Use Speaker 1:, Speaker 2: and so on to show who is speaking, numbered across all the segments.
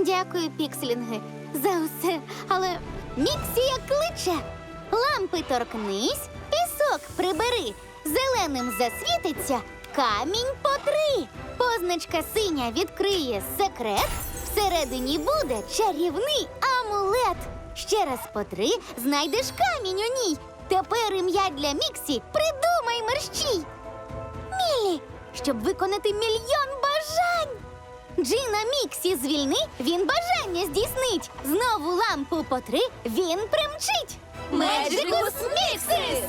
Speaker 1: Дякую, пікселінги, за усе. Але Міксія кличе. Лампи торкнись, пісок прибери, зеленим засвітиться, камінь потри. Позначка синя відкриє секрет, всередині буде чарівний амулет. Ще раз потри, знайдеш камінь у ній. Тепер ім'я для Міксі придумай мерщій. Міллі, щоб виконати мільйон бажань. Джина Міксі звільни, він бажання здійснить. Знову лампу потри, він примчить.
Speaker 2: Меджикус Міксис!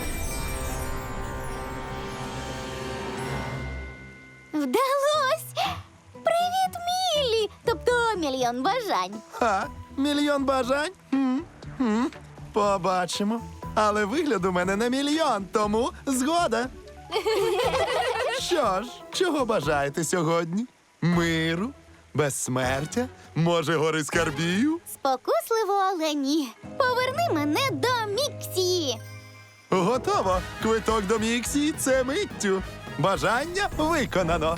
Speaker 1: Вдалось! Привіт, Міллі! Тобто мільйон бажань.
Speaker 3: Ха, мільйон бажань? Побачимо. Але вигляд у мене на мільйон, тому згода. Що ж, чого бажаєте сьогодні? Миру? Безсмертя? Може, гори скарбів?
Speaker 1: Спокусливо, але ні. Поверни мене до Міксі.
Speaker 3: Готово! Квиток до Міксії – це миттю. Бажання виконано.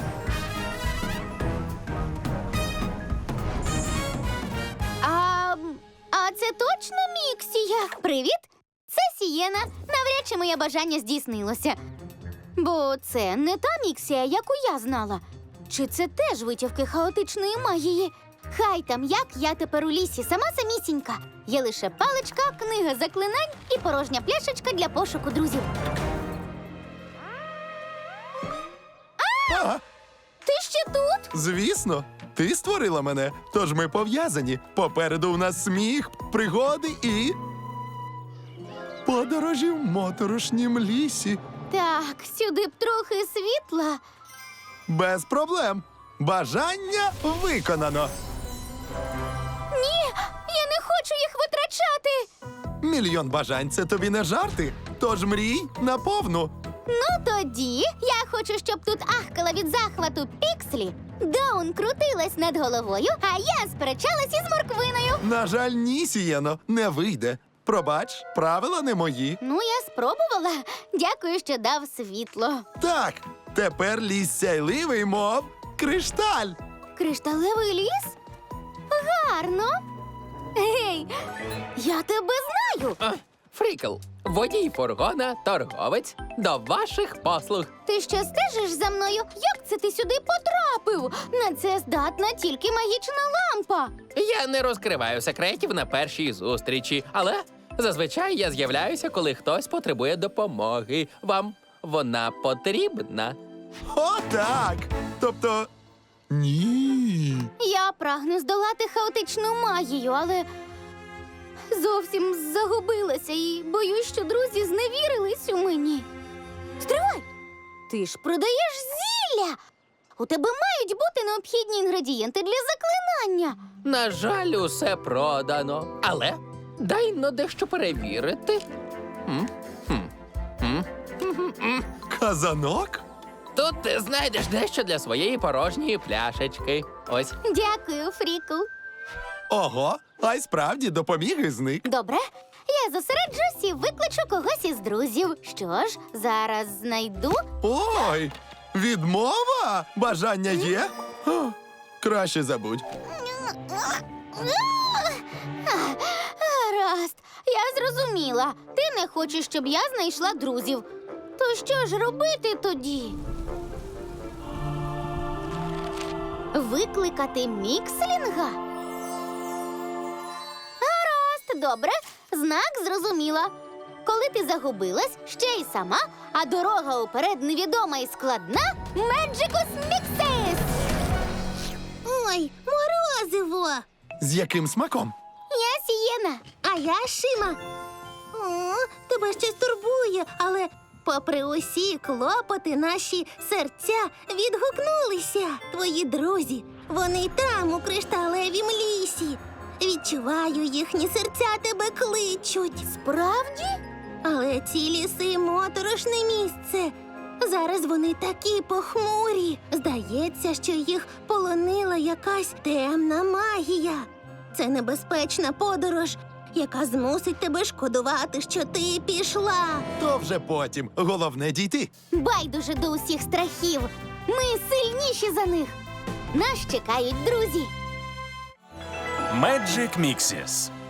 Speaker 1: А це точно Міксія? Привіт! Це Сієна. Навряд чи моє бажання здійснилося. Бо це не та Міксія, яку я знала. Чи це теж витівки хаотичної магії? Хай там як, я тепер у лісі сама самісінька. Є лише паличка, книга заклинань і порожня пляшечка для пошуку друзів.
Speaker 3: Ага,
Speaker 1: Ти ще тут?
Speaker 3: звісно. Ти створила мене, тож ми пов'язані. Попереду у нас сміх, пригоди і... подорожі в моторошнім лісі.
Speaker 1: Так, сюди б трохи світла.
Speaker 3: Без проблем. Бажання виконано.
Speaker 1: Ні, я не хочу їх витрачати.
Speaker 3: Мільйон бажань – це тобі не жарти. Тож мрій наповну.
Speaker 1: Ну тоді я хочу, щоб тут ахкала від захвату Пікслі, Даун крутилась над головою, а я сперечалась із морквиною.
Speaker 3: На жаль, ні, Сієно, не вийде. Пробач, правила не мої.
Speaker 1: Ну, я спробувала. Дякую, що дав світло.
Speaker 3: Так, тепер ліс сяйливий, мов кришталь.
Speaker 1: Кришталевий ліс? Гарно. Гей, я тебе знаю.
Speaker 2: Фрікл, водій фургона, торговець, до ваших послуг.
Speaker 1: Ти що стежиш за мною? Як це ти сюди потрапив? На це здатна тільки магічна лампа.
Speaker 2: Я не розкриваю секретів на першій зустрічі, але зазвичай я з'являюся, коли хтось потребує допомоги. Вам вона потрібна?
Speaker 3: О, так! Тобто... ні.
Speaker 1: Я прагну здолати хаотичну магію, але зовсім загубилася і боюсь, що друзі зневірились у мені. Стривай! Ти ж продаєш зілля! У тебе мають бути необхідні інгредієнти для заклинання.
Speaker 2: На жаль, усе продано. Але дай но дещо перевірити.
Speaker 3: Казанок?
Speaker 2: Тут ти знайдеш дещо для своєї порожньої пляшечки. Ось.
Speaker 1: Дякую, Фрікл.
Speaker 3: Ого, а й справді допоміг і зник.
Speaker 1: Добре, я зосереджусь і викличу когось із друзів. Що ж, зараз знайду.
Speaker 3: Ой, відмова? Бажання є? О, краще забудь.
Speaker 1: Гаразд, я зрозуміла. Ти не хочеш, щоб я знайшла друзів. То що ж робити тоді? Викликати Мікслінга? Гаразд, добре. Знак зрозуміла. Коли ти загубилась, ще й сама, а дорога уперед невідома і складна, Меджикус Міксис!
Speaker 4: Ой, морозиво!
Speaker 3: З яким смаком?
Speaker 1: Я Сієна.
Speaker 4: А я Шима. О, тебе щось турбує, але попри усі клопоти наші серця відгукнулися. Твої друзі, вони там, у кришталевім лісі. Відчуваю, їхні серця тебе кличуть.
Speaker 1: Справді?
Speaker 4: Але ці ліси моторошне місце. Зараз вони такі похмурі. Здається, що їх полонила якась темна магія. Це небезпечна подорож, яка змусить тебе шкодувати, що ти пішла.
Speaker 3: То вже потім. Головне дійти.
Speaker 1: Байдуже до усіх страхів. Ми сильніші за них. Нас чекають друзі.
Speaker 5: Magic Mixes.